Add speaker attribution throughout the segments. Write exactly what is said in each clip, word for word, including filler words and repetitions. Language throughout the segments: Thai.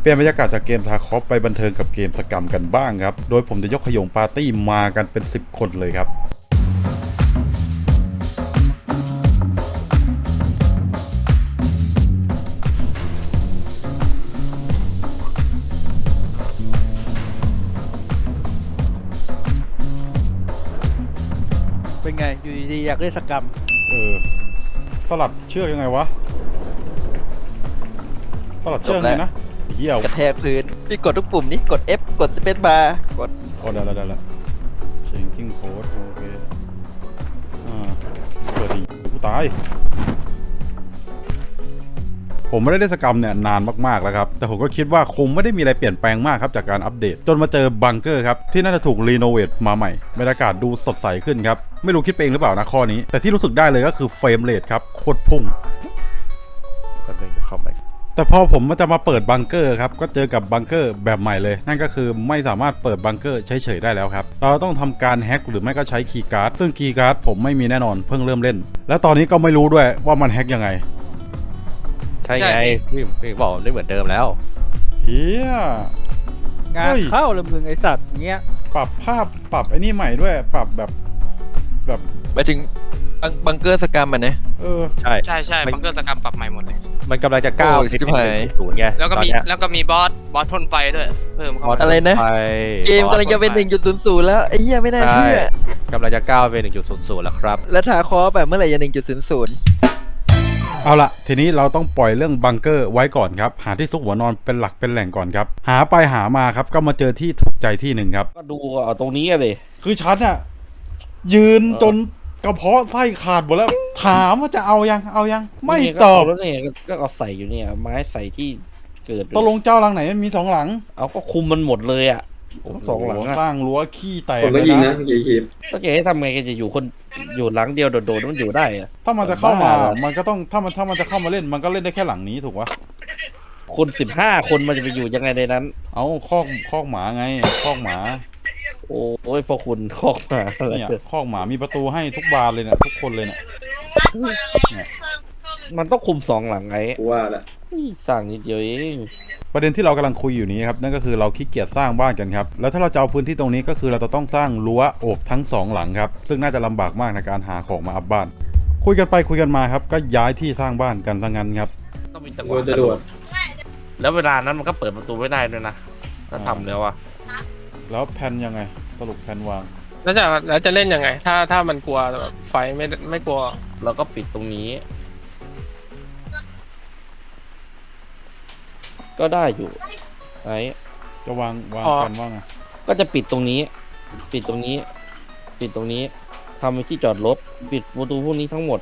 Speaker 1: เปลี่ยนบรรยากาศจากเกมทาคอฟไปบันเทิงกับเกมสกรรมกันบ้างครับโดยผมจะยกขยงปาร์ตี้มากันเป็นสิบคนเลยครับ
Speaker 2: เป็นไงอยู่ดีๆอยากเล่นสกรรม
Speaker 1: เออสลัดเชือกยังไงวะสลัดเชือกไงนะเหี้ยว
Speaker 3: กระแทกพื้นพี่กดทุกปุ่มนี้กด F กดสเปซบาร์กด
Speaker 1: โอ้ได้แล้วได้แล้วเชงกิ้งโค้ดโอเคอ่าเปิดดีกูตายผมไม่ได้เล่นสกรรมเนี่ยนานมากๆแล้วครับแต่ผมก็คิดว่าคงไม่ได้มีอะไรเปลี่ยนแปลงมากครับจากการอัปเดตจนมาเจอบังเกอร์ครับที่น่าจะถูกรีโนเวทมาใหม่บรรยากาศดูสดใสขึ้นครับไม่รู้คิดเองหรือเปล่านะข้อนี้แต่ที่รู้สึกได้เลยก็คือเฟรมเรทครับโคตรพุ่ง
Speaker 4: ก็เลยจะเข้าไป
Speaker 1: แต่พอผมจะมาเปิดบังเกอร์ครับก็เจอกับบังเกอร์แบบใหม่เลยนั่นก็คือไม่สามารถเปิดบังเกอร์เฉยๆได้แล้วครับเราต้องทำการแฮ็กหรือไม่ก็ใช้คีย์การ์ดซึ่งคีย์การ์ดผมไม่มีแน่นอนเพิ่งเริ่มเล่นแล้วตอนนี้ก็ไม่รู้ด้วยว่ามันแฮ็กยังไง
Speaker 4: ใช่ไงพี่พี่บอกไม่เหมือนเดิมแล้ว
Speaker 1: เฮีย
Speaker 2: งานเข้าเลยมึงไอสัตว์เงี้ย
Speaker 1: ปรับภาพปรับไอ้นี่ใหม่ด้วยปรับแบบแบบ
Speaker 3: ไปถึงบังเกอร์สกรรมมันนะ
Speaker 1: เออ
Speaker 5: ใช่ใช่ใช่บังเกอร์สกรรมปรับใหม่หมดเลย
Speaker 4: มันกำลังจะก้าว
Speaker 3: ไปศูนย์
Speaker 4: ไง
Speaker 5: แล้วก็มีแล้วก็มีบอสบอสพ่นไฟด้วยเพิ่มเข้ามา
Speaker 3: อะไรนะเกมกำลังจะเป็น หนึ่งจุดศูนย์ศูนย์ แล้วไอ้เหี้ยไม่น่าเชื่
Speaker 4: อกำลังจะก้าวไป หนึ่งจุดศูนย์ศูนย์ แล้วครับ
Speaker 3: แล้วทาคอแบบเมื่อไหร่จะ หนึ่งจุดศูนย์ศูนย์
Speaker 1: เอาละทีนี้เราต้องปล่อยเรื่องบังเกอร์ไว้ก่อนครับหาที่ซุกหัวนอนเป็นหลักเป็นแหล่งก่อนครับหาไปหามาครับก็มาเจอที่ถูกใจที่หนึ่งครับ
Speaker 4: ก็ดูเอาตรงนี้เลย
Speaker 1: คือฉันอะยืนจนกระเพาะไส้ขาดหมดแล้วถามว่าจะเอายังเอายังไม่ตอบ
Speaker 4: แล้วเนี่ยก็เอาใส่อยู่เนี่ยไม้ใส่ที่เกิด
Speaker 1: ตกลงเจ้าหลังไหนมันมีสองหลัง
Speaker 4: เอาก็คุมมันหมดเลยอ่ะสองหลัง
Speaker 1: สร้างรั้วขี้แตก
Speaker 6: เลยนะกี่คลิป
Speaker 4: ก็แกให้ทำไงแกจะอยู่คนอยู่หลังเดียวโดดๆมันอยู่ได้อะ
Speaker 1: ถ้ามันจะเข้ามามันก็ต้องถ้ามันถ้ามันจะเข้ามาเล่นมันก็เล่นได้แค่หลังนี้ถูกปะ
Speaker 4: คนสิบห้าคนมันจะไปอยู่ยังไงในนั้น
Speaker 1: เอาคอกคอกหมาไงคอกหมา
Speaker 4: โอ้ยพอคุณคอกหมา
Speaker 1: เนี่ยคอกหมามีประตูให้ทุกบานเลยเนี่ยทุกคนเลยเนี่ย
Speaker 4: มันต้องคุมสองหลังไง
Speaker 6: ว่าละ
Speaker 4: สร้างนิดเดียวเอง
Speaker 1: ประเด็นที่เรากำลังคุยอยู่นี้ครับนั่นก็คือเราขี้เกียจสร้างบ้านกันครับแล้วถ้าเราจะเอาพื้นที่ตรงนี้ก็คือเราจะต้องสร้างรั้วโอบทั้งสองหลังครับซึ่งน่าจะลำบากมากในการหาของมาอัพบ้านคุยกันไปคุยกันมาครับก็ย้ายที่สร้างบ้านกันซะงั้นครับ
Speaker 4: ต้องมีจังหวะกระโดดแล้วเวลานั้นมันก็เปิดประตูไม่ได้ด้วยนะถ้าทำแล้วอะ
Speaker 1: แล้วแผนยังไงสรุปแผนวาง
Speaker 5: แล้วจะแล้วจะเล่นยังไงถ้าถ้ามันกลัวแบบไฟไม่ไม่กลัว
Speaker 4: เราก็ปิดตรงนี้ก็ได้อยู่ไอ้
Speaker 1: จะวางวางกันว่าไง
Speaker 4: ก็จะปิดตรงนี้ปิดตรงนี้ปิดตรงนี้ทำเป็นที่จอดรถปิดประตูพวกนี้ทั้งหมด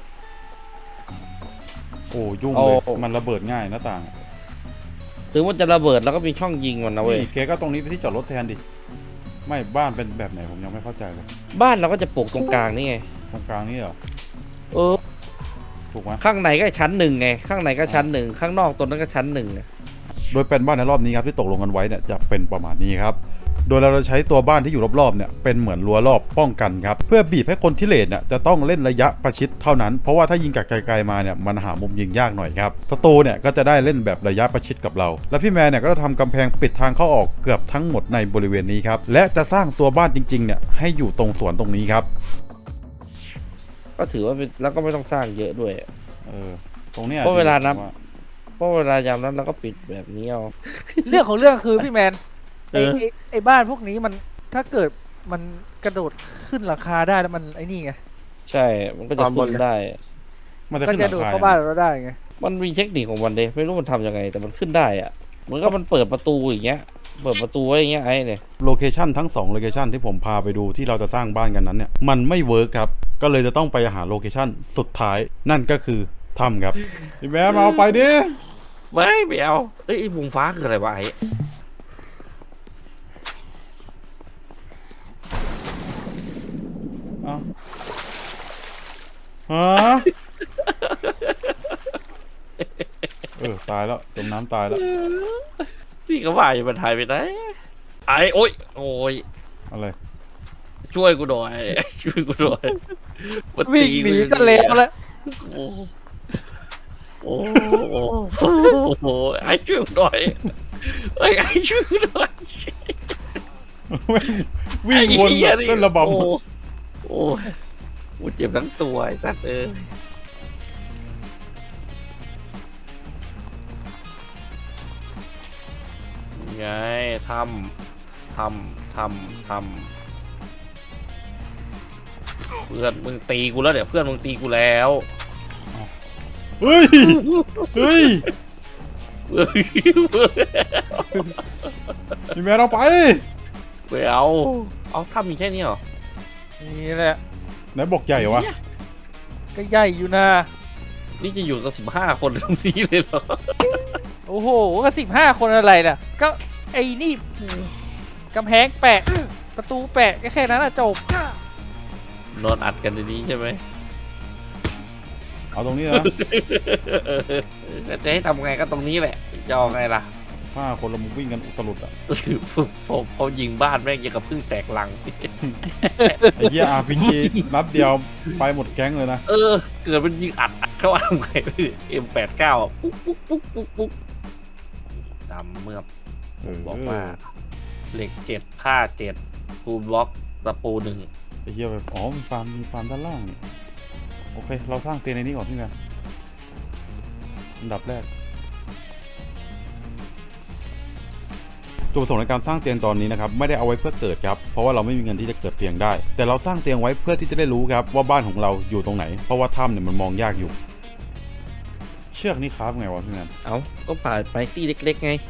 Speaker 1: โอ้ยุ่งเลยมันระเบิดง่ายหน้าต่าง
Speaker 4: ถึงว่าจะระเบิดแล้วก็มีช่องยิงมันนะเว้ย
Speaker 1: เก๋ก็ตรงนี้เป็นที่จอดรถแทนดิไม่บ้านเป็นแบบไหนผมยังไม่เข้าใจเลย
Speaker 4: บ้านเราก็จะปลูกตรงกลางนี่ไง
Speaker 1: ตรงกลางนี่เหรอ
Speaker 4: เออ
Speaker 1: ถูกไหม
Speaker 4: ข้างในก็ชั้นหนึ่งไงข้างในก็ชั้นหนึ่งข้างนอกตรงนั้นก็ชั้นหนึ่ง
Speaker 1: โดยเป็นบ้านในรอบนี้ครับที่ตกลงกันไว้เนี่ยจะเป็นประมาณนี้ครับโดยเราจะใช้ตัวบ้านที่อยู่รอบๆเนี่ยเป็นเหมือนรั้วรอบป้องกันครับเพื่อบีบให้คนที่เลดเนี่ยจะต้องเล่นระยะประชิดเท่านั้นเพราะว่าถ้ายิงจากไกลๆมาเนี่ยมันหามุมยิงยากหน่อยครับศัตรูเนี่ยก็จะได้เล่นแบบระยะประชิดกับเราและพี่แมนเนี่ยก็จะทำกำแพงปิดทางเข้าออกเกือบทั้งหมดในบริเวณนี้ครับและจะสร้างตัวบ้านจริงๆเนี่ยให้อยู่ตรงสวนตรงนี้ครับ
Speaker 4: ก็ถือว่าแล้วก็ไม่ต้องสร้างเยอะด้วย
Speaker 1: เออตรงเนี้ย
Speaker 4: เพราะเวลานับเพราะเวลายามนั้นเราก็ปิดแบบนี้เอา
Speaker 2: เรื่องของเรื่องคือพี่แมนไอ้ไอ้บ้านพวกนี้มันถ้าเกิดมันกระโดดขึ้นราคาได้แล้วมันไอ้นี่ไง
Speaker 4: ใช่มันก็จะขึ้นได้
Speaker 1: มันจะขึ้นราคา
Speaker 2: เข้าบ้านเราได้ไง
Speaker 4: มันมีเทคนิคของมันเดไม่รู้มันทำยังไงแต่มันขึ้นได้อะเหมือนกับมันเปิดประตูอย่างเงี้ยเปิดประตูไว้อย่างเงี้ยไอ้เนี่ย
Speaker 1: โลเคชั่นทั้งสองโลเคชั่นที่ผมพาไปดูที่เราจะสร้างบ้านกันนั้นเนี่ยมันไม่เวิร์กครับก็เลยจะต้องไปหาโลเคชั่นสุดท้ายนั่นก็คือถ้ำครับพี่แม่มาเอาไปดิ
Speaker 4: ไม่ไม่เอาเอ้ยวงฟ้าคืออะไรวะไอ้
Speaker 1: ฮะเออตายแล้วจมน้ำตายแล้ว
Speaker 4: พี่ก็ว่าอยู่บนไทยไปไหนไอ้โอ้ยโอ้ย
Speaker 1: อะไร
Speaker 4: ช่วยกูหน่อยช่วยกูหน่อย
Speaker 2: วิ่งหนีก็เละแล้ว
Speaker 4: โอ้โหโอ้โหไอ้ช่วยกูหน่อยเอ้ยไอ้ช่วยกูหน่อย
Speaker 1: วิ่งวน
Speaker 4: ไอ้เหี้ย
Speaker 1: เต้นระบ
Speaker 4: โอ้โอ้ยกูเจ็บทั้งตัวไอ้สัตว์เออ ไงทำทำทำทำเพื่อนมึงตีกูแล้วเดี๋ยวเพื่อนมึงตีกูแล้ว
Speaker 1: ำเฮ้ยเฮ้ยพี่แมนเอาไป
Speaker 4: ไม่เอาเอาทำมีแค่นี้เหรอ
Speaker 2: นี่แหละ
Speaker 1: ไหนบอกใหญ่วะ
Speaker 2: ก็ใหญ่อยู่นะ
Speaker 4: นี่จะอยู่กับสิบห้าคนตรงนี้เลยเหรอ
Speaker 2: โอ้โหก็สิบห้าคนอะไรน่ะ ก็ไอ้นี่กำแพงแปะ ประตูแปะก็แค่นั้นอะจบ
Speaker 4: นอนอัดกันในนี้ใช่ไหม
Speaker 1: เอาตรงนี้นะ
Speaker 4: จะให้ทำไงก็ตรงนี้แหละจะเอาไงล่ะ
Speaker 1: ห้าคนเรามึงวิ่งกันอุตลุดอ่ะ
Speaker 4: ผมเขายิงบ้านแม่งยังกับพึ่งแตกลัง
Speaker 1: ไอ้เหี้ย อาร์ พี จี นัดเดียวไปหมดแก๊งเลยนะ
Speaker 4: เออ เกิดมันยิงอัดอัดเข้ามาทำไงเอ็มแปดเก้าปุ๊กปุ๊กปุ๊กปุ๊กปุ๊กดำเมือบ
Speaker 1: เออ
Speaker 4: บอกว่าเหล็กเจ็ดผ้าเจ็ดปูบล็อกตะปูหนึ่ง
Speaker 1: ไอ้เหี้ยแบบอ๋อมีฟาร์มมีฟาร์มด้านล่างนี่โอเค เราสร้างเตียงในนี้ก่อนพี่แมนอันดับแรกจุดประสงค์ในการสร้างเตียงตอนนี้นะครับไม่ได้เอาไว้เพื่อเกิดครับเพราะว่าเราไม่มีเงินที่จะเกิดเตียงได้ แต่เราสร้างเตียงไว้เพื่อที่จะได้รู้ครับว่าบ้านของเราอยู่ตรงไหนเพราะว่าถ้ำเนี่ยมันมองยากอยู่ เชือกนี่ครับไงวะพี่แมน
Speaker 4: เอาก็ผ่านไปที่เล็กๆไง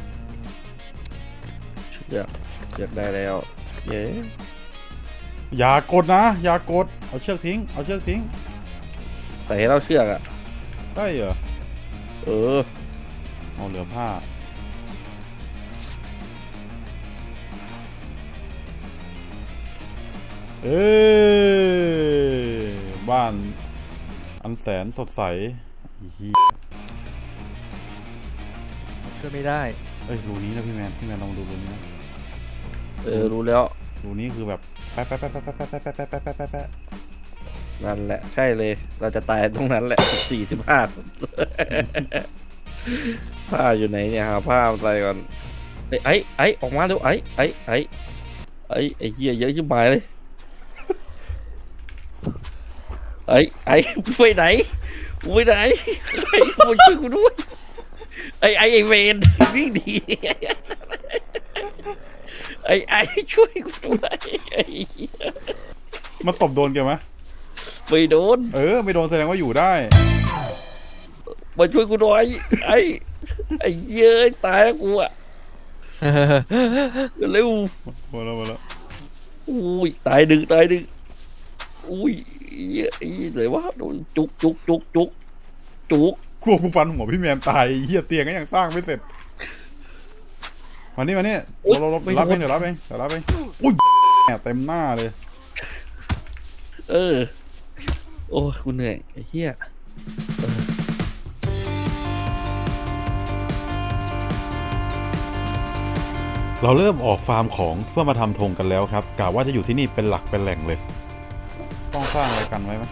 Speaker 4: เชือกเชือกได้แล้วเย้
Speaker 1: อย่ากดนะอย่ากดเอาเชือกทิ้งเอาเชือกทิ้ง
Speaker 4: แต่ให้เราเชือกอ่ะ
Speaker 1: ได้เหรอ
Speaker 4: เออ
Speaker 1: เอาเหลือผ้าเอ้บ้านอันแสนสดใสอีเหี้ย
Speaker 2: ก็ไม่ได้
Speaker 1: เอ้ยรูนี้นะพี่แมนพี่แมนลองดูรูนี้นะ
Speaker 4: เออรู้แล้ว
Speaker 1: รูนี้คือแบบแป๊ะแป๊ะแป๊ะแป๊ะแป๊ะแป๊ะแป๊ะแป๊ะแป๊ะแป๊ะแป๊ะแป๊ะ
Speaker 4: นั่นแหละใช่เลย เราจะตายตรงนั้นแหละสี่สิบห้าผ้าอยู่ไหนเนี่ยหาผ้ามาใส่ก่อนไอ้ไอ้ไอ้ออกมาเร็วไอ้ไอ้ไอ้ไอ้ไอ้เหี้ยเยอะชิบหายเลยไอ้ไอ้ไปไหนไปไหนไอ้มาช่วยกูด้วยไอ้ไอ้ไอ้เวนวิ่งดีไอ้ไอ้ช่วยกูด้วยไอ้เหี้ย
Speaker 1: มันตบโดนแกไหม
Speaker 4: ไม่โดน
Speaker 1: เออไม่โดนแสดงว่าอยู่ได้
Speaker 4: มาช่วยกูหน่อยไอ้ไอ้เย้ยตายแล้วกูอ่ะเร็ว
Speaker 1: มาแล้วมาแล้ว
Speaker 4: อุ้ยตายดึงตายดึงอุ้ยเย้ยไหนวะโดนจุกจุกจุกจุกจุก
Speaker 1: กลัวกูฟันหัวพี่แมนตายเหี้ยเตียงก็ยังสร้างไม่เสร็จมานี่มานี่เราเรารับเองเดี๋ยวรับเองเดี๋ยวรับเองอุ้ยแหมเต็มหน้าเลย
Speaker 4: เออโอ้ยกูเหนื่อยไอ้เหี้ย
Speaker 1: เราเริ่มออกฟาร์มของเพื่อมาทำธงกันแล้วครับกะว่าจะอยู่ที่นี่เป็นหลักเป็นแหล่งเลย ต้องสร้างอะไรกันไว้ไหม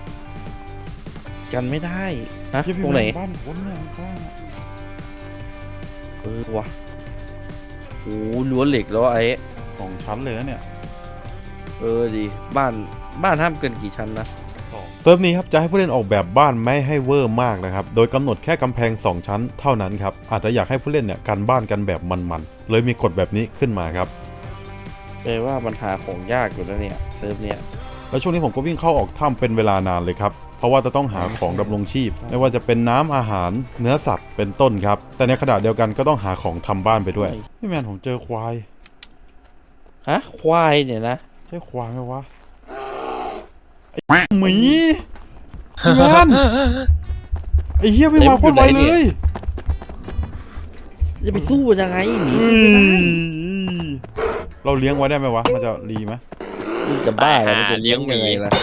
Speaker 4: กันไม่ได้ฮะ
Speaker 1: เหี้ยพี่
Speaker 4: ตรง
Speaker 1: แม
Speaker 4: ไหน
Speaker 1: นบ้านคนเนี่ยสร้างอะ
Speaker 4: เออวะโอ้ล้วนเหล็กแล้วไอ้
Speaker 1: สองชั้นเลยนะเนี่ย
Speaker 4: เออดีบ้านบ้านห้ามเกินกี่ชั้นนะ
Speaker 1: เซิร์ฟนี้ครับจะให้ผู้เล่นออกแบบบ้านไม่ให้เวอร์มากนะครับโดยกำหนดแค่กำแพงสองชั้นเท่านั้นครับอาจจะอยากให้ผู้เล่นเนี่ยกันบ้านกันแบบมันๆเลยมีกฎแบบนี้ขึ้นมาครับ
Speaker 4: แปลว่ามันหาของยากอยู่แล้วเนี่ยเซิร์ฟเนี่ย
Speaker 1: แล้วช่วงนี้ผมก็วิ่งเข้าออกถ้ำเป็นเวลานานเลยครับเพราะว่าจะต้องหาของดำรงชีพ ไม่ว่าจะเป็นน้ำอาหารเนื้อสัตว์เป็นต้นครับแต่ในขณะเดียวกันก็ต้องหาของทำบ้านไปด้วยพี่แมนผมเจอควาย
Speaker 4: ฮะควายเนี่ยนะ
Speaker 1: ใช่ควายไหมวะไอ้หมีพี่แมนไอ้เหี้ยไม่มาโคตรไวเลย
Speaker 4: จะไปสู้ยังไงหนี
Speaker 1: เฮ้ยเราเลี้ยงไว้ได้ไหมวะมันจะรีไหม
Speaker 4: มึงจะบ้าแล้วมันจะเลี้ยงยังไงล่ะ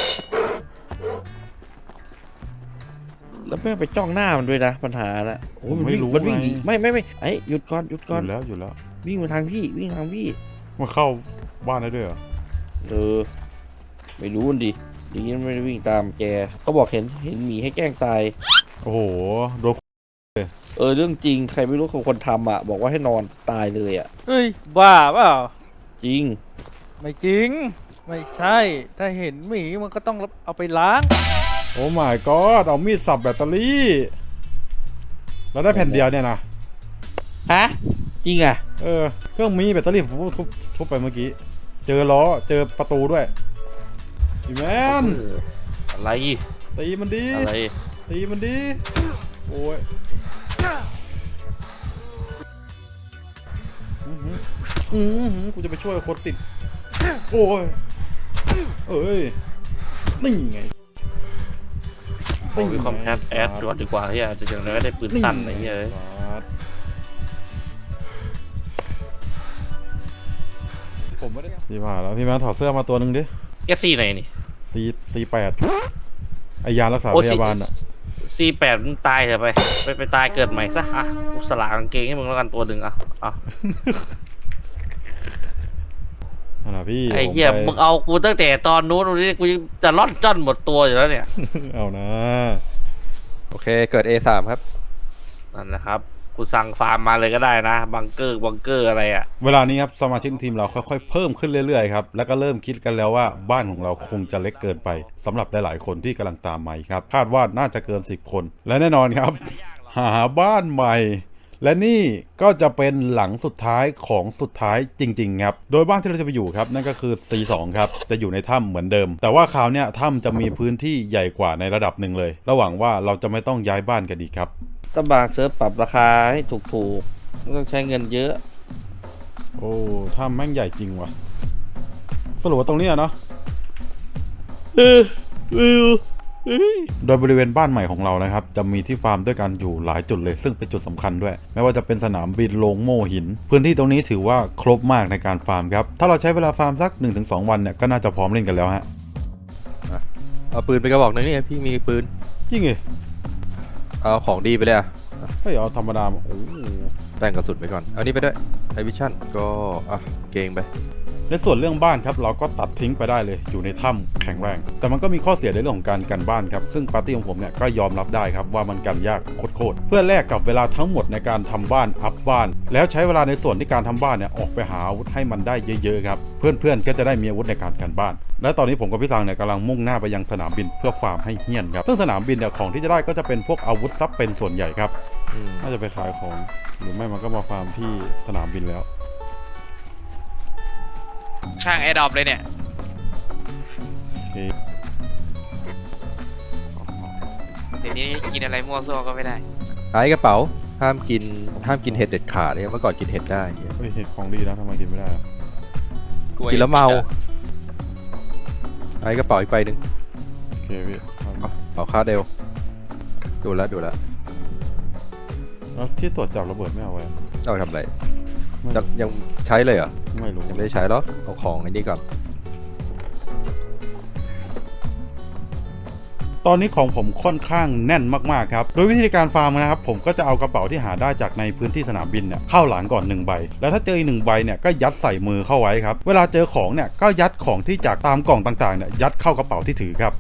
Speaker 4: แล้วไม่ไปจ้องหน้ามันด้วยนะปัญหาน่ะโอ้ยมันวิ่งมันวิ่งหนีไม่ไม่ไม่ไอ้หยุดก่อนหยุด
Speaker 1: อ
Speaker 4: ก่อน
Speaker 1: ยู่แล้วอยู่แล้ว
Speaker 4: วิ่งมาทางพี่วิ่งทางพี่
Speaker 1: มาเข้าบ้านได้ด้วยเหรอ
Speaker 4: เออไม่รู้ดิอย่างนี้ไม่ได้วิ่งตามแกเขาบอกเห็นเห็นหมีให้แกล้งตาย
Speaker 1: โอ้โหโดน
Speaker 4: เออเรื่องจริงใครไม่รู้คนทำอ่ะบอกว่าให้นอนตายเลยอ่ะ
Speaker 2: เฮ้ยบ้าเปล่า
Speaker 4: จริง
Speaker 2: ไม่จริง ไม่ใช่ ถ้าเห็นหมีมันก็ต้องเอาไปล้าง
Speaker 1: โอ้ my god เอามีดสับแบตเตอรี่แล้วได้แผ่นเดียวเนี่ยนะ
Speaker 4: ฮะจริงอ่ะ
Speaker 1: เออเครื่องมีแบตเตอรี่ผมทุบทุบไปเมื่อกี้ เจอล้อเจอประตูด้วยพี่แมน
Speaker 4: อะไร
Speaker 1: ตีมันดี
Speaker 4: อะไร
Speaker 1: ตีมันดีโอ้ยอื้อหืออื้อหือกูจะไปช่วยคนติดโอ้ยเอ้ยนี่ไง
Speaker 4: ผมมีความแอดแอดตรวจดีกว่าเฮียจะอย่างไรก็ได้ปืนสั้นอะไรเงี้ย
Speaker 1: ผมไม่ได้พี่ผ่าแล้วพี่แมนถอดเสื้อมาตัวหนึ่งดิ
Speaker 4: แกซี่ไหนนี่
Speaker 1: ซีซีแปดไอยารักษาพยาบาลอ่ะ
Speaker 4: ซีแปดมึงตายเถอะไปไปไปตายเกิดใหม่ซะอ่ะกูสลากกางเกงให้มึงแล้วกันตัวหนึ่งอ่ะอ่ะ
Speaker 1: นั่นนะพี่
Speaker 4: ไอ้เหี้ย
Speaker 1: ผม
Speaker 4: มึ
Speaker 1: ไป
Speaker 4: งเอากูตั้งแต่ตอนนู้นวันนี้กูจะล่อนจ้อนหมดตัวอยู่แล้วเนี่ย
Speaker 1: เอานะ
Speaker 6: โอเค เกิด เอ สาม ครับ
Speaker 4: นั่นแหละครับกูสั่งฟาร์มมาเลยก็ได้นะบังเกอร์บังเกอร์อะไรอ่ะ
Speaker 1: เวลานี้ครับสมาชิกทีมเราค่อยๆเพิ่มขึ้นเรื่อยๆครับแล้วก็เริ่มคิดกันแล้วว่าบ้านของเราคงจะเล็กเกินไปสำหรับหลายๆคนที่กำลังตามมาครับคาดว่าน่าจะเกินสิบคนและแน่นอนครับ หาบ้านใหม่ และนี่ก็จะเป็นหลังสุดท้ายของสุดท้ายจริงๆครับโดยบ้านที่เราจะไปอยู่ครับนั่นก็คือ ซี สอง ครับจะอยู่ในถ้ำเหมือนเดิม แต่ว่าคราวเนี้ยถ้ำจะมีพื้นที่ใหญ่กว่าในระดับหนึ่งเลยระหวังว่าเราจะไม่ต้องย้ายบ้านกันอีกครับ
Speaker 4: ตบากเซิร์ฟปรับราคาให้ถูกๆไม่ต้องใช้เงินเยอะ
Speaker 1: โอ้ถ้ำแม่งใหญ่จริงว่ะสรุปว่าตรงเนี้ยเนาะ
Speaker 4: เออเออ
Speaker 1: โดยบริเวณบ้านใหม่ของเรานะครับจะมีที่ฟาร์มด้วยกันอยู่หลายจุดเลยซึ่งเป็นจุดสำคัญด้วยไม่ว่าจะเป็นสนามบินโรงโม่หิน พื้นที่ตรงนี้ถือว่าครบมากในการฟาร์มครับถ้าเราใช้เวลาฟาร์มสัก หนึ่งถึงสอง วันเนี่ยก็น่าจะพร้อมเล่นกันแล้วฮะ
Speaker 6: เอาปืนไปกระบอกหนึงนี่พี่มีปืน
Speaker 1: จริงเหรอ
Speaker 6: เอาของดีไปเลยอะ
Speaker 1: เฮ้ยเอาธรรมดามาโอ้
Speaker 6: แบ่งกระสุนไปก่อน เอานี่ไปด้วยไอวิชั่นก็อ่ะเกงไป
Speaker 1: ในส่วนเรื่องบ้านครับเราก็ตัดทิ้งไปได้เลยอยู่ในถ้ำแข็งแรงแต่มันก็มีข้อเสียในเรื่องของการกันบ้านครับซึ่งปาร์ตี้ของผมเนี่ยก็ยอมรับได้ครับว่ามันกันยากโคตรๆเพื่อแลกกับเวลาทั้งหมดในการทำบ้านอัพบ้าน แล้วใช้เวลาในส่วนที่การทำบ้านเนี่ยออกไปหาอาวุธให้มันได้เยอะๆครับเพื่อนๆก็จะได้มีอาวุธในการกันบ้านและตอนนี้ผมกับพี่สังเนี่ยกำลังมุ่งหน้าไปยังสนามบินเพื่อฟาร์มให้เฮี้ยนครับซึ่งสนามบินเนี่ยของที่จะได้ก็จะเป็นพวกอาวุธซับเป็นส่วนใหญ่ครับ
Speaker 6: อืม
Speaker 1: น่าจะไปขายของหรือไม่มันก็มาฟาร์มที่สนามบินแล้ว
Speaker 7: ข้างแอร์ดรอปเลยเนี่ย
Speaker 1: โอเค
Speaker 7: เดี๋ยวนี้กินอะไรมั่วซั่วก็ไม่ได้
Speaker 6: ไอ้กระเป๋าห้ามกินห้ามกินเห็ดเด็ดขาดเลยเมื่อก่อนกินเห็ดได้
Speaker 1: เฮ้ยเห็ดของดีนะทำไมกินไม่ได้อะ
Speaker 6: กินแล้วเมาไอ้กระเป๋าอีกใบหนึ่ง
Speaker 1: โอเคพี่เอา
Speaker 6: เอาเอาคาเดลดูแลวดูแลว
Speaker 1: แล้วที่ตรวจจับระเบิดไม่เอาไว้อะ
Speaker 6: เอาไปทำอะไร
Speaker 1: ไม่
Speaker 6: จะ
Speaker 1: รู้
Speaker 6: ยังใช้เลยเหรอ
Speaker 1: ไม่รู้
Speaker 6: ยังไม่ได้ใช้หรอกเอาของไอ้นี่ก่อน
Speaker 1: ตอนนี้ของผมค่อนข้างแน่นมากๆครับโดยวิธีการฟาร์มนะครับผมก็จะเอากระเป๋าที่หาได้จากในพื้นที่สนามบินเนี่ยเข้าหลานก่อนหนึ่งใบแล้วถ้าเจออีกหนึ่งใบเนี่ยก็ยัดใส่มือเข้าไว้ครับเวลาเจอของเนี่ยก็ยัดของที่จากตามกล่องต่างๆเนี่ยยัดเข้ากระเป๋าที่ถือครับ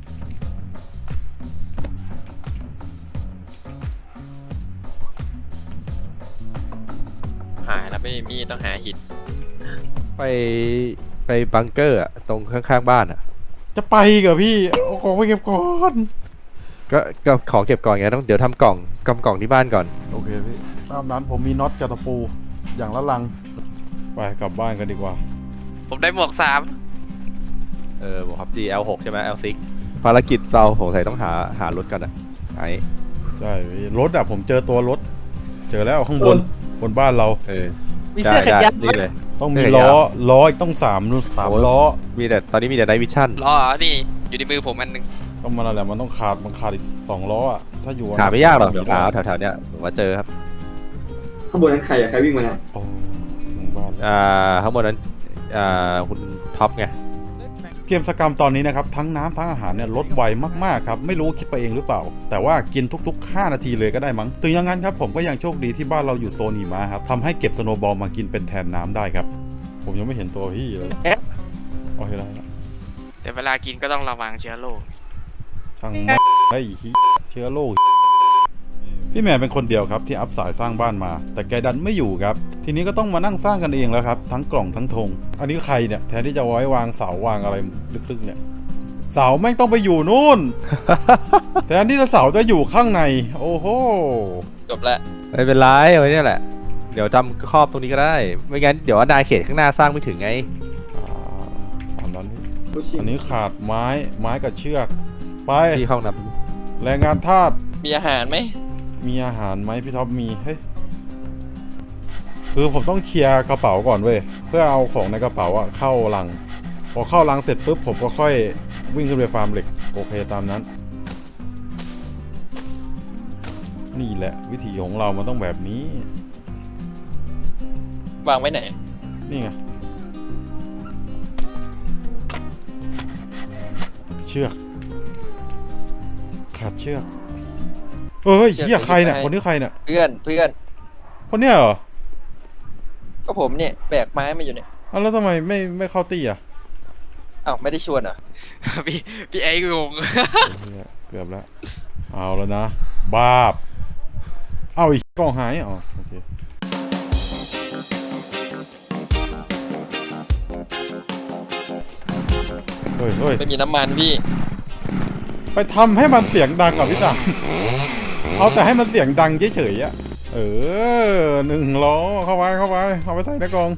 Speaker 8: หายแล้วไม่มีมีดต้องหาหิน
Speaker 6: ไปไปบังเกอร์อะตรงข้างๆบ้านอะ
Speaker 1: จะไปเหรอพี่เอาของไปเก็บก่อน
Speaker 6: ก็ก็ของเก็บก่อนไงต้องเดี๋ยวทำกล่องกำกล่องที่บ้านก่อน
Speaker 1: โอเคพี่ตามนั้นผมมีน็อตกับตะปูอย่างละลังไปกลับบ้านกันดีกว่า
Speaker 7: ผมได้หมวกสาม
Speaker 6: เออบอกครับ จี แอล หก ใช่ไหม แอล หก ภารกิจเราสงสัยต้องหาหารถกันอะไอ้
Speaker 1: ใช่พี่รถอะผมเจอตัวรถ เจอแล้วข้างบนบนบ้านเรา
Speaker 6: เออ
Speaker 2: มีเสื้อแขนยาว
Speaker 6: ได้ได้นี่เลย
Speaker 1: ต้องมี
Speaker 6: เสื้อ
Speaker 1: ล้อ
Speaker 6: ยาว
Speaker 1: ล้ออีกต้องสามสาม
Speaker 6: โอ้
Speaker 1: ล้อ
Speaker 6: มีแต่ตอนนี้มีแต่ไนท์วิชั่น
Speaker 7: ล้อเหรอนี่อยู่ในมือผมอันหนึง
Speaker 1: ต้องมาอะไรมันต้องขาดมันขาดอีกสองล้ออะถ้าอยู่
Speaker 6: หาไม่ยากหรอกเดี๋ยว
Speaker 1: ได้
Speaker 6: หาแถวๆเนี้ยผมว่าเจอครับ
Speaker 9: ข้างบนนั้นใครอะใครวิ่งมาเนี่ย
Speaker 1: โอ้ถึงบ้านแล้ว
Speaker 6: อ่าข้างบนนั้นอ่าคุณท็อปไง
Speaker 1: เกมสกรรมตอนนี้นะครับทั้งน้ำทั้งอาหารเนี่ยลดไวมากๆครับไม่รู้คิดไปเองหรือเปล่า แต่ว่ากินทุกๆห้านาทีเลยก็ได้มั้งถึงอย่างนั้นครับผมก็ยังโชคดีที่บ้านเราอยู่โซนหิมะครับทำให้เก็บสโนว์บอลมากินเป็นแทนน้ำได้ครับผมยังไม่เห็นตัวพี่เลยโอเคแล้ว
Speaker 7: แต่เวลากินก็ต้องระวังเชื้อโรค
Speaker 1: ช่างแม่งได้อีกเชื้อโรคพี่แมนเป็นคนเดียวครับที่อัพสายสร้างบ้านมา แต่แกดันไม่อยู่ครับทีนี้ก็ต้องมานั่งสร้างกันเองแล้วครับทั้งกล่องทั้งธงอันนี้ใครเนี่ยแทนที่จะไว้วางเสาวางอะไรลึกๆเนี่ยเสาแม่งต้องไปอยู่นู่น แทนที่จะเสาจะอยู่ข้างในโอ้โห
Speaker 3: จบแล้ว
Speaker 6: ไม่เป็นไรเอาไว้เนี่ยแหละเดี๋ยวทำครอบตรงนี้ก็ได้ไม่งั้นเดี๋ยวอาณาเขตข้างหน้าสร้างไม่ถึงไง
Speaker 1: อ่าอันนั้น
Speaker 9: ผู้ชิง
Speaker 1: อันนี้ขาดไม้ไม้กับเชือกไป
Speaker 6: ที่ห้องน้
Speaker 1: แรงงานทาส
Speaker 3: มีอาหารไหม
Speaker 1: มีอาหารไหมพี่ท็อปมีเฮ้ยคือผมต้องเคลียร์กระเป๋าก่อนเว้ยเพื่อเอาของในกระเป๋าอะเข้าลังพอเข้าลังเสร็จปุ๊บผมก็ค่อยวิ่งขึ้นไปฟาร์มเหล็กโอเคตามนั้น นี่แหละวิธีของเรามันต้องแบบนี้
Speaker 3: วางไว้ไหน
Speaker 1: นี่ไงเชือกขาดเชือกเอ้ยเหี้ยใครเนี่ยคนนี้ใครเนี่ย
Speaker 3: เพื่อนเพื่อน
Speaker 1: คนเนี้ยเหรอ
Speaker 3: ก็ผมเนี่ยแบกไม้มาอยู่เนี่ย
Speaker 1: อ้าวแล้วทำไมไม่ไม่เข้าตีอ่ะ
Speaker 3: อ้าวไม่ได้ชวนเหรอ
Speaker 7: พี่พี่ไอ้งง
Speaker 1: เหี้ยเกือบแล้วเอาแล้วนะบาบเอาอีกกล่องหายอ๋อโอเคเฮ้ยเฮ้ย
Speaker 3: ไม่มีน้ำมันพี่
Speaker 1: ไปทำให้มันเสียงดังก่อนพี่จังเอาแต่ให้มันเสียงดังเฉยๆอะเออหนึ่งล้อเข้าไปเข้าไปเอาไปใส่ในกล่อง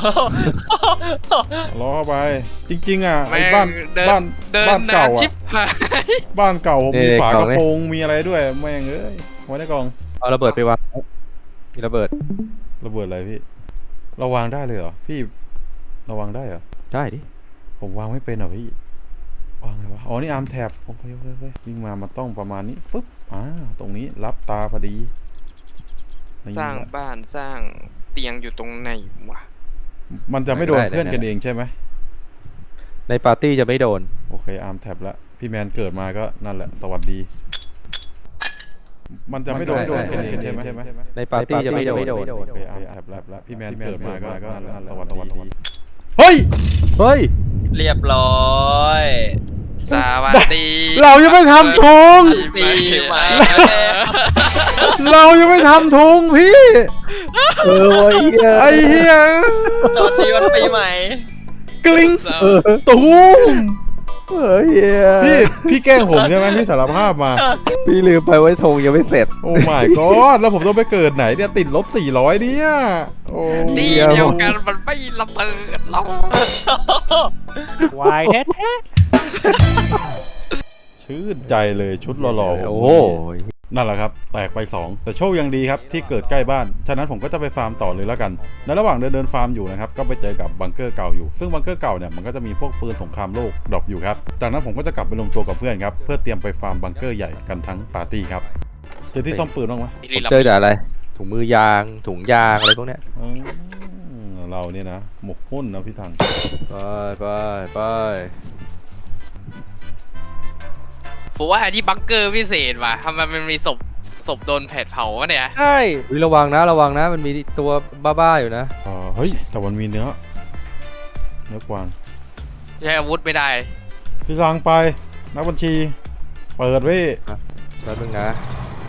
Speaker 1: ล้อเข้าไป จริงๆอ่ะไอ้บ้าน
Speaker 7: เดิน
Speaker 1: บ้าน
Speaker 7: เดิน
Speaker 1: บ้าน
Speaker 7: นา
Speaker 1: เก่าน
Speaker 7: ชิบ
Speaker 1: อ่ะ
Speaker 7: หาย
Speaker 1: บ้านเก่ามีฝากระโปรงมีอะไรด้วยแม่งเอ้ยไว้ในกล่อง
Speaker 6: ำเอาระเบิดไปวางมีระเบิด
Speaker 1: ระเบิดอะไรพี่เราวางได้เลยเหรอพี่เราวางได้เหรอ
Speaker 6: ได้ดิ
Speaker 1: ผมวางไม่เป็นเหรอพี่วางไงวะอ๋อนี่อาร์มแท็บโอเคโอเคโอเควิ่งมามันต้องประมาณนี้ฟึ๊บอ่าตรงนี้รับตาพอดี
Speaker 7: สร้างบ้านสร้างเตียงอยู่ตรงไหนวะ
Speaker 1: มันจะไม่โดนเพื่อนกันเองใช่ไหม
Speaker 6: ในปาร์ตี้จะไม่โดน
Speaker 1: โอเคอาร์มแท็บละพี่แมนเกิดมาก็นั่นแหละสวัสดี มันจะไม่โดนเพื่อนกันเองใช่ไหม
Speaker 6: ในปาร์ตี้จะไม่โดน
Speaker 1: โอเคอาร์มแท็บละพี่แมนเกิดมาก็นั่นแหละสวัสดีเฮ้ย
Speaker 6: เฮ้ย
Speaker 3: เรียบร้อย
Speaker 7: สวัสดี
Speaker 1: เรายังไม่ทำธง
Speaker 3: ปีใหม่
Speaker 1: เรายังไม่ทำธงพี่
Speaker 6: เออไอ้เหี้ย
Speaker 1: ไอ้เหี้ย
Speaker 3: ตอนนี้วันปีใหม่
Speaker 1: กลิ้งตูม
Speaker 6: เฮ้ย
Speaker 1: พี่พี่แกล้งผมใช่ไหมพี่สารภาพมา
Speaker 6: พี่ลืมไปว่าธงยังไม่เสร็จ
Speaker 1: โอ้ my god แล้วผมต้องไปเกิดไหนเนี่ยติดลบสี่ร้อยเนี่ยโอ้
Speaker 7: ที่เดียวกันมันไม่ระเบิดเรา
Speaker 2: วายแท้แท้
Speaker 1: ชื่นใจเลยชุดหล่อๆ
Speaker 6: โอ้โห
Speaker 1: นั่นแหละครับแตกไปสองแต่โชคยังดีครับที่เกิดใกล้บ้านฉะนั้นผมก็จะไปฟาร์มต่อเลยแล้วกันในระหว่างเดินเดินฟาร์มอยู่นะครับก็ไปเจอกับบังเกอร์เก่าอยู่ซึ่งบังเกอร์เก่าเนี่ยมันก็จะมีพวกปืนสงครามโลกดรอปอยู่ครับจากนั้นผมก็จะกลับไปลงตัวกับเพื่อนครับเพื่อเตรียมไปฟาร์มบังเกอร์ใหญ่กันทั้งปาร์ตี้ครับเจอที่ซ่อมปืนบ้างไหม
Speaker 6: ผมเจอแต่อะไร ถุงมือยาง ถุงยางอะไรพวกเนี้ย
Speaker 1: อืมเราเนี่ยนะหมกหุ้นนะพี่ทัง
Speaker 6: ไปไปไป
Speaker 7: ผมว่าอันนี้บังเกอร์พิเศษว่ะทำไมมันมีศพศพโดนแผดเผาวะเนี่ย
Speaker 2: ใช่
Speaker 6: อุ๊ยระวังนะระวังนะ มันมีตัวบ้าๆอยู่นะ
Speaker 1: เออเฮ้ยแต่มันมีเนื้อเนื้อกวาง
Speaker 7: ใช้อาวุธไม่ได้
Speaker 1: พี่สังไปนักบัญชีเปิดไว้
Speaker 6: แป๊บนึงนะ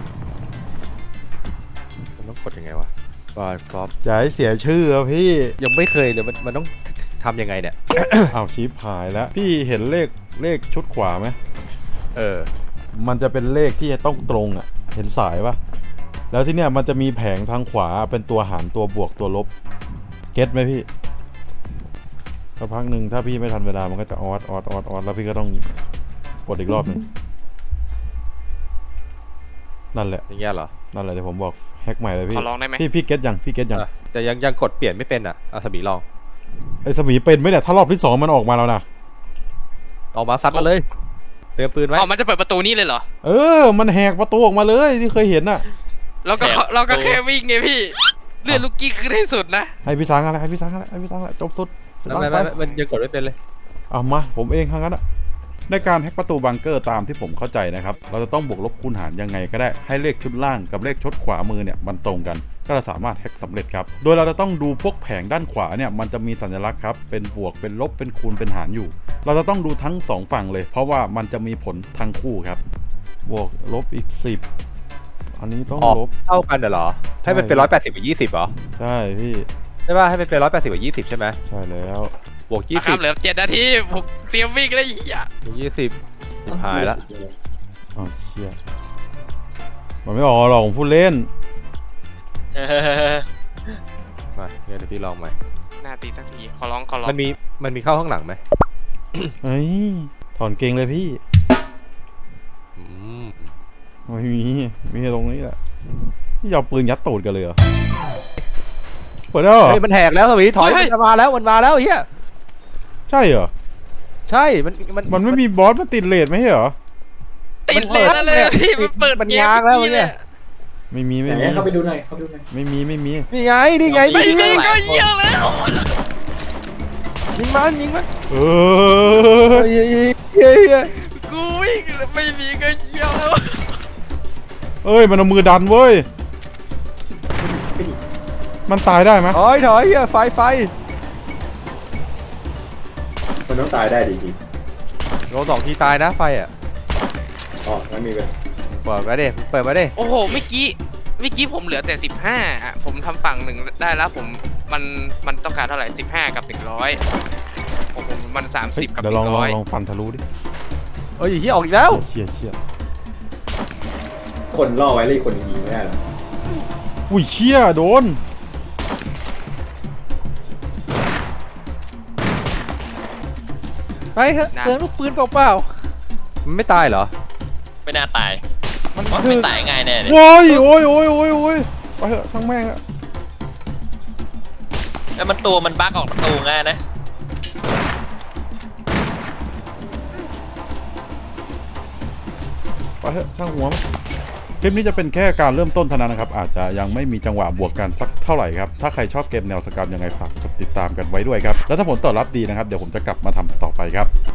Speaker 6: มันต้องกดยังไงวะบายฟอป
Speaker 1: อย่าให้เสียชื่อครับพี่
Speaker 6: ยังไม่เคยเลยมันมันต้องทำยังไงเนี่ย
Speaker 1: อ้าวชิปหายแล้วพี่เห็นเลขเลขชุดขวาไหม
Speaker 6: เออ
Speaker 1: มันจะเป็นเลขที่จะต้องตรงอ่ะ เห็นสายปะแล้วที่เนี้ยมันจะมีแผงทางขวาเป็นตัวหารตัวบวกตัวลบ เก็ตไหมพี่สักพักหนึ่งถ้าพี่ไม่ทันเวลามันก็จะออดออดออดออดแล้วพี่ก็ต้องกดอีกรอบหนึ่งนั่นแหละ
Speaker 6: อย่างเงี้ยเหรอ
Speaker 1: นั่นแหละเดี๋ยวผมบอกแฮกใหม่เลยพี่
Speaker 7: ขอลองได้ไหม
Speaker 1: พี่พี่เก็ตยังพี่เก็ตยัง
Speaker 6: อ่ะแต่ยังยังกดเปลี่ยนไม่เป็นอ่ะอาสบีลอง
Speaker 1: ไอ้สมีเป็นไหมเนี่ยถ้ารอบที่สองมันออกมาแล้วนะ
Speaker 6: ออกมาซัดมาเลย เตรียมปืนไว้
Speaker 7: อ๋อมันจะเปิดประตูนี่เลยเหรอ
Speaker 1: เออมันแหกประตูออกมาเลยที่เคยเห็นน่ะ
Speaker 7: เราก็เราก็แค่วิ่งไงพี่เลื่อนลูกกี้ขึ้นให้สุดนะ
Speaker 1: ให้พี่สังอะไรให้พี่สังอะไรให้พี่สังอะไรจบสุดสุด
Speaker 6: ไม่
Speaker 1: ท้าย
Speaker 6: ไม่
Speaker 1: ไป
Speaker 6: ไม่มันยังกดไม่เป็นเลย
Speaker 1: เอามาผมเองทั้งนั้นอะในการแฮ็กประตูบังเกอร์ตามที่ผมเข้าใจนะครับเราจะต้องบวกลบคูณหารยังไงก็ได้ให้เลขชุดล่างกับเลขชุดขวามือเนี่ยมันตรงกันก็จะสามารถแฮ็กสำเร็จครับโดยเราจะต้องดูพวกแผงด้านขวาเนี่ยมันจะมีสัญลักษณ์ครับเป็นบวกเป็นลบเป็นคูณเป็นหารอยู่ เราจะต้องดูทั้งสองฝั่งเลย เพราะว่ามันจะมีผลทั้งคู่ครับบวกลบอีกสิบอันนี้ต้อง
Speaker 6: ออก
Speaker 1: ลบ
Speaker 6: เท่ากันเหรอให้มันเป็นร้อยแปดสิบกับยี่สิบเหรอ
Speaker 1: ใช่พี่
Speaker 6: ใช่ป่ะให้มันเป็นร้อยแปดสิบกับยี่สิบใช่ไหม
Speaker 1: ใช่แล้ว
Speaker 6: บวกยี่
Speaker 7: ค
Speaker 6: สิ
Speaker 7: รั
Speaker 6: บบ
Speaker 7: เหลือเจ็ดนาทีผมเตรียมวิ่งแล้วไอ้เหี้ย
Speaker 6: บวกยี่สิบสิบหายละ
Speaker 1: อ้าวเชี่ยมันไม่ออกหรอกผมพูดเล่น
Speaker 6: มาเดี๋ยวพี่ลองใหม่
Speaker 7: หน้าตีสักทีขอร้องขอร้อง
Speaker 6: มันมีมันมีเข้าข้างหลังไหม
Speaker 1: เฮ้ยถอนเกงเลยพี่
Speaker 6: อืม
Speaker 1: ไม่มีมีแค่ตรงนี้แหละนี่เอาปืนยัดตูดกันเลยเหรอเปิดแล้วเหรอ
Speaker 6: เฮ้ยมันแหกแล้วสวีถอยมันมาแล้วมันมาแล้วไอ้เฮีย
Speaker 1: ใช่เหรอ
Speaker 6: ใช่มันมัน
Speaker 1: มันไม่มีบอสมันติดเลทไม่ใช่เหรอ
Speaker 7: ติดเลยนั่นเลยพี่มันเปิด
Speaker 6: มัน
Speaker 7: เกม
Speaker 6: ง้างแล้วมันเนี่ย
Speaker 1: ไม่มีไม่
Speaker 9: ไหน
Speaker 1: มี
Speaker 9: เข้าไปดูหน่อยเข้าไปดูหน่อย
Speaker 1: ไม่มีไม่มี
Speaker 6: นี่ไงนี่ไง
Speaker 7: ไม่
Speaker 6: นี่
Speaker 7: มีก็เหี้ยแล้ว
Speaker 6: ยิงมันยิงมัน
Speaker 1: เอ
Speaker 6: เฮ้
Speaker 1: อย
Speaker 6: เฮ้ยเฮ้ยเฮ้ย
Speaker 7: กูวิ่งแล้วไม่มีก็เหี้ยแล้ว
Speaker 1: เอ้ยมันเอามือดันเว้ยมันตายได้ไหม
Speaker 6: ถอยถอยเฮียไฟไฟ
Speaker 9: มันต้องตายได้ดีจริง
Speaker 6: โดนสองทีตายนะไฟอ่ะ
Speaker 9: อ๋องั้นมีไป
Speaker 6: เปิดมาดิเปิดมาดิ
Speaker 7: โอ้โหเมื่อกี้เมื่อกี้ผมเหลือแต่สิบห้าอ่ะผมทำฝั่งหนึ่งได้แล้วผมมันมันต้องการเท่าไหร่สิบห้ากับหนึ่งร้อยผมผมมันสาม
Speaker 1: เฮ้
Speaker 7: สิ
Speaker 1: ย
Speaker 7: บกับห
Speaker 1: เดี๋ยวล
Speaker 7: นึ่
Speaker 1: อง
Speaker 7: ง
Speaker 1: ลอ
Speaker 7: ร้
Speaker 1: ง
Speaker 7: อย
Speaker 1: ลองฟันทะลุดิ
Speaker 6: เอ้ยเฮียออกอีกแล้ว
Speaker 1: เชี่ยเชี่ย
Speaker 9: คนล่อไว้เลยคนยิงไม่ได้หรอ
Speaker 1: อุ้ยเชี่ยโดน
Speaker 2: ไปเถอะเปลืองลูกปืนเปล่า
Speaker 6: มันไม่ตายเหรอ
Speaker 5: ไม่น่าตาย
Speaker 2: ๆมัน
Speaker 5: เพราะ
Speaker 2: คื
Speaker 5: ไม่
Speaker 2: อ
Speaker 5: ตายง่ายแน่เลย
Speaker 1: โว้ยโอ้ยโอ้ยโอ้ยโอ้ยไปเถอะช่างแม่งอะ
Speaker 5: แล้วมันตัวมันบั๊กออกประตูง่ายนะ
Speaker 1: ไปเถอะช่างหัวมันคลิปนี้จะเป็นแค่การเริ่มต้นเท่านั้นนะครับอาจจะยังไม่มีจังหวะบวกกันสักเท่าไหร่ครับถ้าใครชอบเกมแนวสกรรมยังไงฝากกดติดตามกันไว้ด้วยครับแล้วถ้าผลตอบรับดีนะครับเดี๋ยวผมจะกลับมาทำต่อไปครับ